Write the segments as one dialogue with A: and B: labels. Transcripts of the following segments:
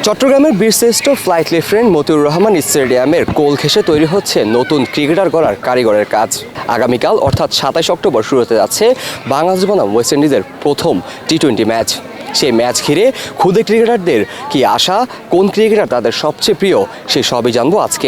A: চট্টগ্রামের বীরশ্রেষ্ঠ flight lieutenant Motiur Rahman স্টেডিয়ামের কোল ঘেঁষে তৈরি হচ্ছে নতুন ক্রিকেটার গড়ার কারিগরের কাজ। আগামীকাল অর্থাৎ 27 অক্টোবর শুরু হতে যাচ্ছে বাংলাদেশ বনাম ওয়েস্ট ইন্ডিজের প্রথম টি-20 ম্যাচ। সেই ম্যাচ ঘিরে খুদে ক্রিকেটারদের কি আশা, কোন ক্রিকেটার তাদের সবচেয়ে প্রিয়, সে সবই জানবো আজকে।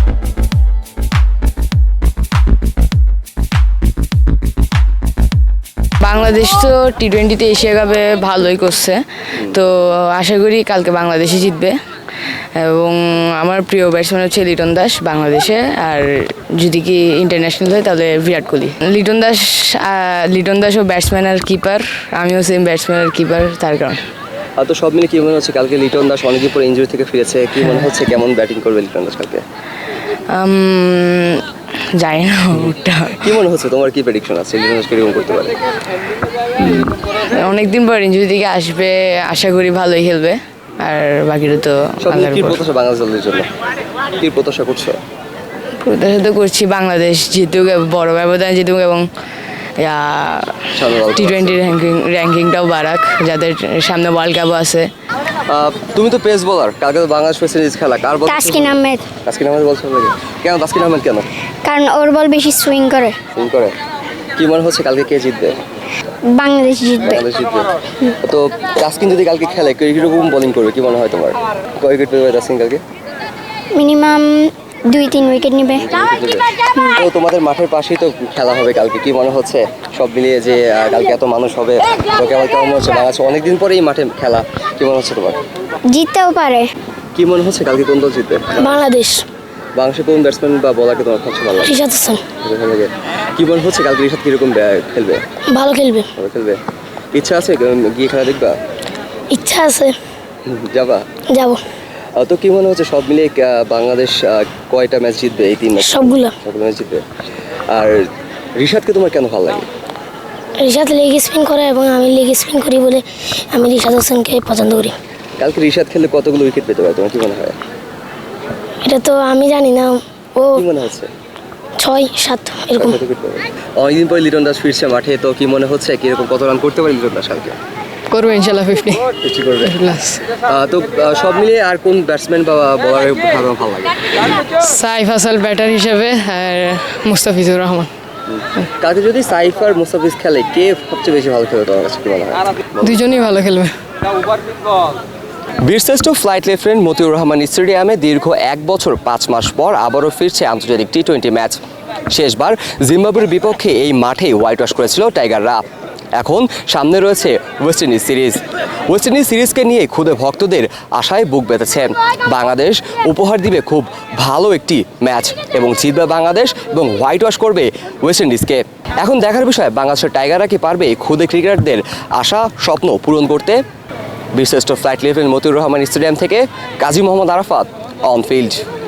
B: বাংলাদেশ তো টি-20তে এশিয়া কাপে ভালোই করছে, তো আশা করি কালকে বাংলাদেশই জিতবে। এবং আমার প্রিয় ব্যাটসম্যান হচ্ছে লিটন দাস বাংলাদেশে, আর যদি কি ইন্টারন্যাশনাল হয় তাহলে বিরাট কোহলি। লিটন দাসও ব্যাটসম্যান আর কিপার, আমিও সেম ব্যাটসম্যান আর কিপার, তার কারণ।
A: আর তো সব মিলে কি মনে হচ্ছে কালকে লিটন দাস অনেকদিন পরে ইনজুরি থেকে ফিরেছে, কি মনে হচ্ছে কেমন ব্যাটিং করবে লিটন দাস কালকে?
B: জানি না ওটা।
A: কি মনে হচ্ছে তোমার, কি প্রেডিকশন আছে লিটন দাস কিরকম করতে পারে?
B: অনেকদিন পর ইনজুরি থেকে আসবে, আশা করি ভালোই খেলবে, আর বাকিটা তো
A: কি প্রত্যাশা বাংলাদেশ দলের জন্য, কি প্রত্যাশা করছো?
B: প্রত্যাশা তো করছি বাংলাদেশ জিতুক, বড় ব্যবধানে জিতুক, এবং টি-20 র্যাঙ্কিংটাও বাড়াক, যাদের সামনে ওয়ার্ল্ড কাপও আছে।
A: তুমি তো পেস বোলার, কালকে তো বাংলাদেশ ওয়েস্ট ইন্ডিজ খেলা, কার বল?
C: তাসকিন আহমেদ।
A: তাসকিন আহমেদ বলছো নাকি? কেন তাসকিন আহমেদ কেন?
C: কারণ ওর বল বেশি সুইং করে।
A: সুইং করে। কি মনে হচ্ছে কালকে কে জিতবে?
C: বাংলাদেশ জিতবে।
A: বাংলাদেশ জিতবে। তো তাসকিন যদি কালকে খেলে কিরকম বোলিং করবে, কি মনে হয় তোমার? কয় উইকেট পেবে তাসকিন কালকে?
C: মিনিমাম 2-3 উইকেট নেবে।
A: তো তোমাদের মাঠের পাশেই তো খেলা হবে কালকে, কি মনে হচ্ছে সব মিলিয়ে যে কালকে এত মানুষ হবে, তো কেমন হচ্ছে? বাংলাদেশ অনেকদিন পরেই মাঠে খেলা, কি মনে হচ্ছে তোমার?
C: জিততেও পারে।
A: কি মনে হচ্ছে কালকে কোন দল জিতবে?
C: বাংলাদেশ।
A: বাংলাদেশের কোন ব্যাটসম্যান বা বলারকে তোমার সবচেয়ে ভালো লাগে?
C: রিশাদ হাসান।
A: কি মনে হচ্ছে কালকে রিশাদ কিরকম খেলবে?
C: ভালো খেলবে।
A: ভালো খেলবে। ইচ্ছা আছে গিয়ে খেলা দেখবা?
C: ইচ্ছা আছে।
A: যাবা?
C: যাব।
A: তো কি মনে হচ্ছে সব মিলিয়ে বাংলাদেশ কয়টা ম্যাচ জিতবে এই 3 ম্যাচ?
C: সবগুলো
A: ম্যাচ জিতবে। আর রিশাদকে তোমার কেন ভালো লাগে?
C: রিশাদ লেগ স্পিন করে এবং আমি লেগ স্পিন করি বলে আমি রিশাদ হাসানকে পছন্দ করি।
A: কালকে রিশাদ খেললে কতগুলো উইকেট পেতে পারে তোমার কি মনে হয়?
C: এটা তো আমি জানি না, ও
A: কি মনে হচ্ছে?
C: 6-7 এরকম।
A: অনেকদিন পরে লিটন দাস ফিরছে মাঠে, তো কি মনে হচ্ছে কিরকম কত রান করতে পারে লিটন দাস কালকে?
B: করবে ইনশাল্লাহ 50
A: করবে। তো সব মিলিয়ে আর কোন ব্যাটসম্যান বা বলারের ভালো লাগে?
B: সাইফ হাসান ব্যাটার হিসেবে, আর মুস্তাফিজুর রহমান।
A: কালকে যদি সাইফ আর মুস্তাফিজ খেলে, কে সবচেয়ে বেশি ভালো খেলবে তোমার কাছে কি মনে হয়?
B: দুজনেই ভালো খেলবে।
A: বীরশ্রেষ্ঠ ফ্লাইট লেফটেন্যান্ট মতিউর রহমান স্টেডিয়ামে দীর্ঘ 1 বছর 5 মাস পর আবারও ফিরছে আন্তর্জাতিক টি-20 ম্যাচ। শেষবার জিম্বাবুয়ের বিপক্ষে এই মাঠেই হোয়াইট ওয়াশ করেছিল টাইগাররা। এখন সামনে রয়েছে West Indies series. West Indies সিরিজকে নিয়ে খুদে ভক্তদের আশায় বুক বেঁধেছে। বাংলাদেশ উপহার দিবে খুব ভালো একটি ম্যাচ, এবং জিতবে বাংলাদেশ এবং হোয়াইট ওয়াশ করবে ওয়েস্ট ইন্ডিজকে। এখন দেখার বিষয় বাংলাদেশের টাইগাররা কি পারবে খুদে ক্রিকেটারদের আশা স্বপ্ন পূরণ করতে। বীরশ্রেষ্ঠ flight lieutenant Motiur Rahman stadium থেকে কাজী মোহাম্মদ আরাফাত, অন ফিল্ড।